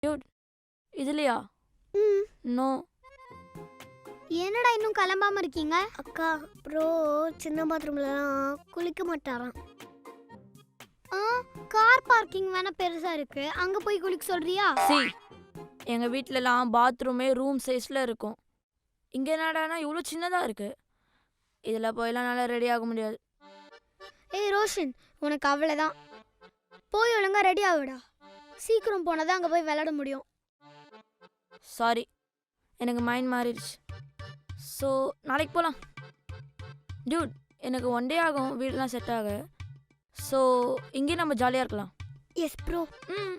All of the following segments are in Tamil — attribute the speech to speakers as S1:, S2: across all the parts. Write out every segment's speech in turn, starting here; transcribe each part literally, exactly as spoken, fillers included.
S1: டியூட் இதுலையா?
S2: ம்
S1: நோ.
S2: என்னடா இன்னும் கிளம்பாம இருக்கீங்க? அக்கா ப்ரோ சின்ன பாத்ரூம்லலாம் குளிக்க மாட்டாராம். ஆ கார் பார்க்கிங் வேணா பெருசா இருக்கு, அங்க போய் குளிக்க சொல்றியா?
S1: சி எங்க வீட்லலாம் பாத்ரூமே ரூம் சைஸ்ல இருக்கும். இங்க என்னடானா இவ்வளோ சின்னதா இருக்கு. இதுல போயெல்லாம் நல்லா ரெடி ஆக முடியாது.
S2: ஏய் ரோஷன், உனக்கு அவ்வளோதான். போய் ஒழுங்கா ரெடி ஆகுடா. சீக்கிரம் போனதான் அங்கே போய் விளையாட முடியும்.
S1: சாரி, எனக்கு மைண்ட் மாறிடுச்சு. ஸோ நாளைக்கு போகலாம். டியூட் எனக்கு ஒன் டே ஆகும் வீடெலாம் செட் ஆக. ஸோ இங்கே நம்ம ஜாலியாக இருக்கலாம்.
S2: Yes bro.
S1: ம்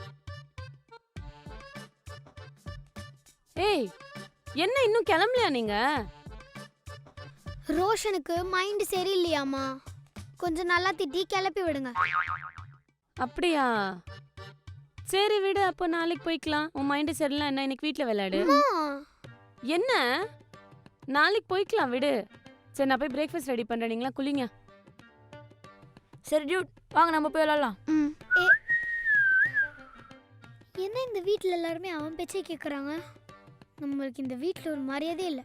S3: ஏய் என்ன இன்னும் கிளம்பலையா நீங்க?
S2: ரோஷனுக்கு மைண்ட் சரியில்லையாமா, கொஞ்சம் நல்லா திட்டி கிளப்பி விடுங்க.
S3: அப்படியா? சரி விடு, அப்போ நாளைக்கு போய்க்கலாம். உன் மைண்டு சரியில்லை என்ன, இன்னைக்கு வீட்டில் விளையாடு. என்ன நாளைக்கு போய்க்கலாம் விடு. சரி நான் போய் பிரேக்ஃபாஸ்ட் ரெடி பண்ணுறேன், நீங்களா குளிங்க.
S1: சரி டியூட் வாங்க நம்ம போய் விளாட்லாம்.
S2: ம் ஏ என்ன இந்த வீட்டில் எல்லாருமே அவன் பேச்சே கேட்குறாங்க? நம்மளுக்கு இந்த வீட்டில் ஒரு மரியாதையே இல்லை.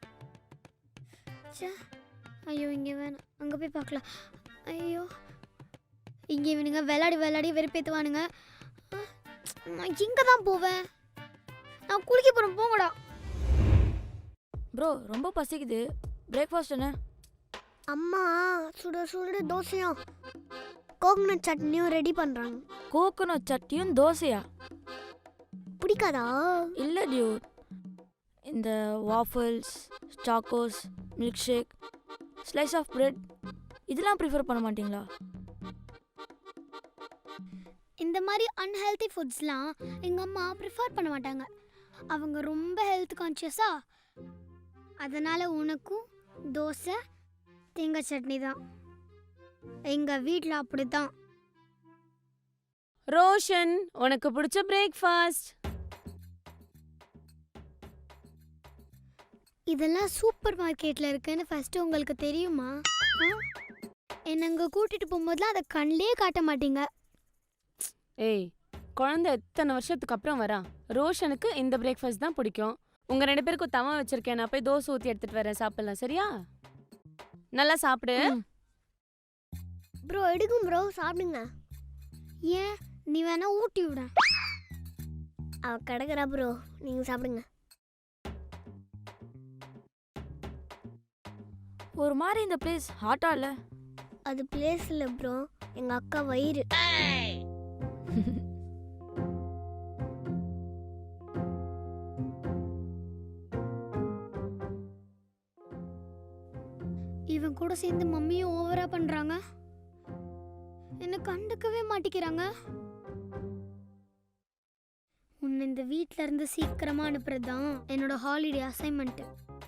S2: சே ஐயோ இங்கே வேணாம், அங்கே போய் பார்க்கலாம். ஐயோ இங்கே இவனுங்க விளையாடி விளையாடி வெறுப்பேற்றுவானுங்க. நான் இங்கே தான் போவேன். நான் குளிக்க போகிறேன், போங்கடா.
S1: ப்ரோ ரொம்ப பசிக்குது, பிரேக்ஃபாஸ்ட் என்ன?
S2: அம்மா சுட சுட தோசையும் கோகனட் சட்னியும் ரெடி பண்ணுறாங்க.
S1: கோகோனட் சட்னியும் தோசையா?
S2: பிடிக்காதா?
S1: இல்லை டியூட், இந்த waffles, chocos, milk shake, slice of bread இதெல்லாம் ப்ரிஃபர் பண்ண மாட்டிங்களா?
S2: இந்த மாதிரி அன்ஹெல்தி ஃபுட்ஸ்லாம் எங்கள் அம்மா ப்ரிஃபர் பண்ண மாட்டாங்க. அவங்க ரொம்ப ஹெல்த் கான்ஷியஸா. அதனால் உனக்கும் தோசை தேங்காய் சட்னி தான். எங்கள் வீட்டில் அப்படி தான்.
S3: ரோஷன் உனக்கு பிடிச்ச பிரேக்ஃபாஸ்ட்.
S2: இதெல்லாம் சூப்பர் மார்க்கெட்டில் இருக்குன்னு ஃபஸ்ட்டு உங்களுக்கு தெரியுமா? என்னை அங்கே கூட்டிகிட்டு போகும்போதுலாம் அதை கண்ணிலே காட்ட மாட்டீங்க.
S3: ஏய் குழந்தை எத்தனை வருஷத்துக்கு அப்புறம் வரா. ரோஷனுக்கு இந்த பிரேக்ஃபாஸ்ட் தான் பிடிக்கும். உங்க ரெண்டு பேருக்கும் தவா வச்சிருக்கேன், நான் போய் தோசை ஊற்றி எடுத்துட்டு வரேன், சாப்பிடலாம். சரியா? நல்லா சாப்பிடு.
S2: ப்ரோ எடுக்கும் ப்ரோ, சாப்பிடுங்க. ஏன் நீ வேணா ஊட்டி விட. அவ கிடக்குறா ப்ரோ, நீங்கள் சாப்பிடுங்க.
S1: ஒரு மாதிரி இந்த பிளேஸ் ஹாட்டா இல்லை?
S2: அது பிளேஸ் இல்லை ப்ரோ, எங்கள் அக்கா வயிறு. இவன் கூட சேர்ந்து மம்மியும் ஓவரா பண்றாங்க. என்ன கண்டுக்கவே மாட்டிக்கிறாங்க. உன்னை இந்த வீட்ல இருந்து சீக்கிரமா அனுப்புறதுதான் என்னோட ஹாலிடே அசைன்மெண்ட்.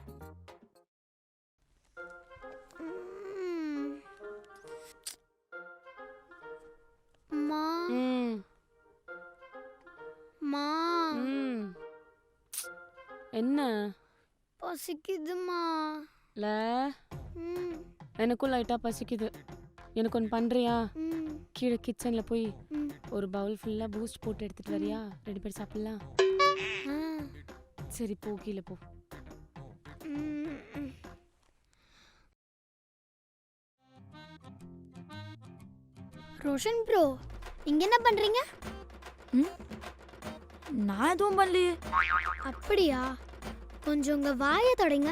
S2: மா மா
S3: என்ன
S2: பசிக்குதுமா?
S3: ல எனக்கும் லைட்டாக பசிக்குது. எனக்கு ஒன்று பண்ணுறியா? கீழே கிச்சனில் போய் ஒரு பவுல் ஃபுல்லாக பூஸ்ட் போட்டு எடுத்துகிட்டு வரியா? ரெண்டு பேர் சாப்பிட்லாம். சரி போ, கீழே போ.
S2: ரோஷன் ப்ரோ இங்க என்ன பண்றீங்க?
S1: நான் எதுவும் பண்ணலையே.
S2: அப்படியா? கொஞ்சம் உங்க வாயை தொடங்க.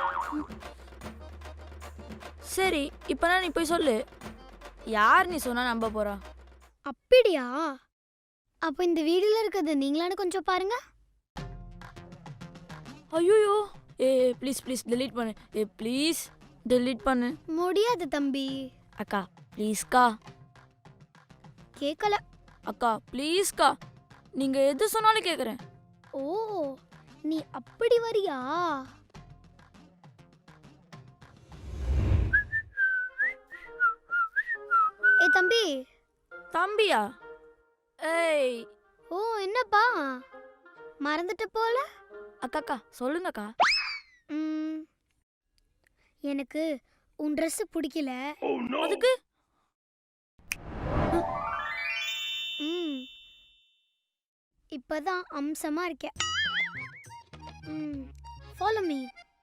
S1: சரி இப்போ நீ போய் சொல்லு, யார் நீ சொன்னா நம்ப போறா?
S2: அப்படியா? அப்போ இந்த வீடியோல இருக்கிறது நீங்களானு கொஞ்சம் பாருங்க.
S1: ஐயோ ஏ ப்ளீஸ் ப்ளீஸ் டெலீட் பண்ணு. ஏ ப்ளீஸ் டெலீட் பண்ணு.
S2: முடியாது தம்பி.
S1: அக்கா ப்ளீஸ்க்கா.
S2: கேட்கல.
S1: அக்கா ப்ளீஸ்க்கா, நீங்க எது சொன்னாலும் கேட்குறேன்.
S2: ஓ நீ அப்படி வரியா? ஏ தம்பி.
S1: தம்பியா? ஏய்
S2: ஓ என்னப்பா மறந்துட்ட போல.
S1: அக்கா அக்கா சொல்லுங்கக்கா.
S2: ம் எனக்கு உன் ட்ரெஸ் பிடிக்கல.
S1: அதுக்கு
S2: ம் இப்பதான் அம்சமா இருக்க. ம் ஃபாலோ மீ.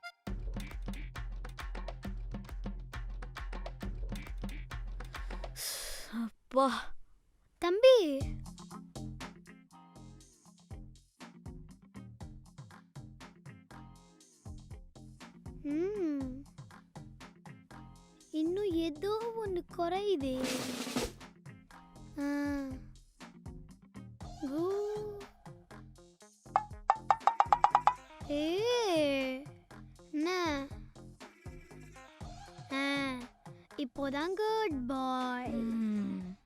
S1: வா
S2: தம்பி ம் இன்னும் ஏதோ ஒன்று குறையுதே. ஆ. கூ. ஏ என்ன ஆ இப்போதான் குட் பாய்.